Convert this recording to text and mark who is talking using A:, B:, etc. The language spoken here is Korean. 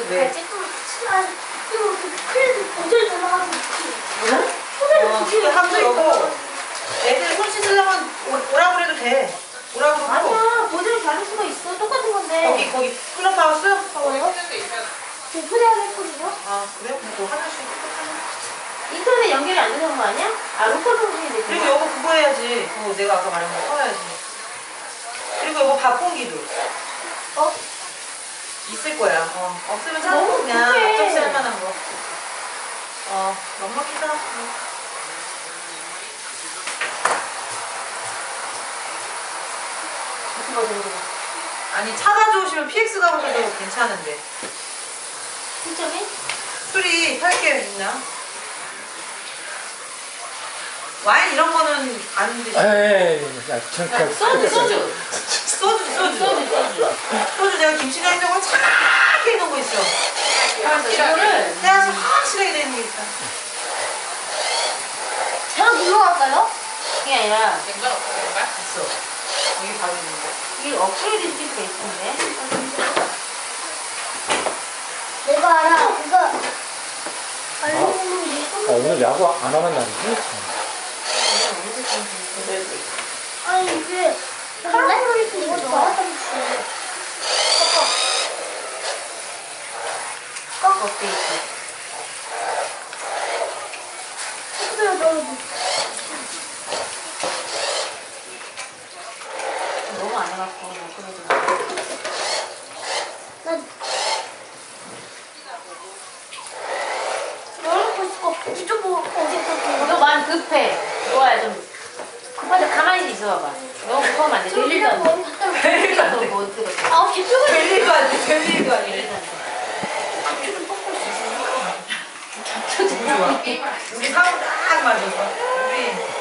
A: 왜?
B: 이거 그래도 모델 전화하고
A: 응?
B: 모델
A: 하고 여보 애들 손 씻으려면 오라고 그래도 돼. 오라고 그러고.
B: 아니야 모델 다를 수가 있어. 똑같은 건데.
A: 거기 클럽하우스?
B: 뭐요? 오픈해야 했거든요.
A: 아 그래? 뭐 하나씩
B: 인터넷 연결이 안 되는 거 아니야? 아 로컬 방송인데.
A: 그리고 여보 그거 해야지. 그거 내가 아까 말한 거 써야지. 그리고 여보 밥공기도
B: 어?
A: 있을 거야. 없으면
B: 너무
A: 찾고 그냥
B: 급해.
A: 접시 할 만한 거. 넉넉히다.
B: 무슨 버전으로?
A: 아니 차 가져오시면 PX 가보셔도 괜찮은데.
B: 진짜네?
A: 술이 팔게 있나? 와인 이런 거는 안 드시죠?
C: 에이, 야,
B: 소주.
A: 소주 내가 김치 냉장고에 착하게 해놓은 거 있어.
B: 이거를
A: 해야지 확실하게 되는 게 있어.
B: 제가 눌러 갈까요? 그게 아니라
A: 있어. 여기 바로 있는데.
B: 이게 업그레이드 시킬 수가 있던데.
D: 내가 알아. 그거
C: 오늘 야구 안 하는 날이지?
D: 아니 이게 카라멜리스 이거 좋아하던
B: 업데이트.
D: 식수를 넣어줘.
B: 너무 안 해갖고 업그레이드.
D: 난 열어놓고 싶어. 이쪽 보고 어색하고.
B: 너 마음 급해. 너야 좀 급한데 가만히 있어봐봐. 너무 급하면 안 돼. 될 일도 안 돼. 될 일도 안 돼. 뭐 어떻게 돼?
D: 아 기표가
A: 될 일도 안 돼. 될 일도 안
B: 될
A: 돼.
B: 일도 안 돼.
D: 기표를 꺾을 수 있어.
A: 너무 좋아. 우리 사고 딱 맞았어. 우리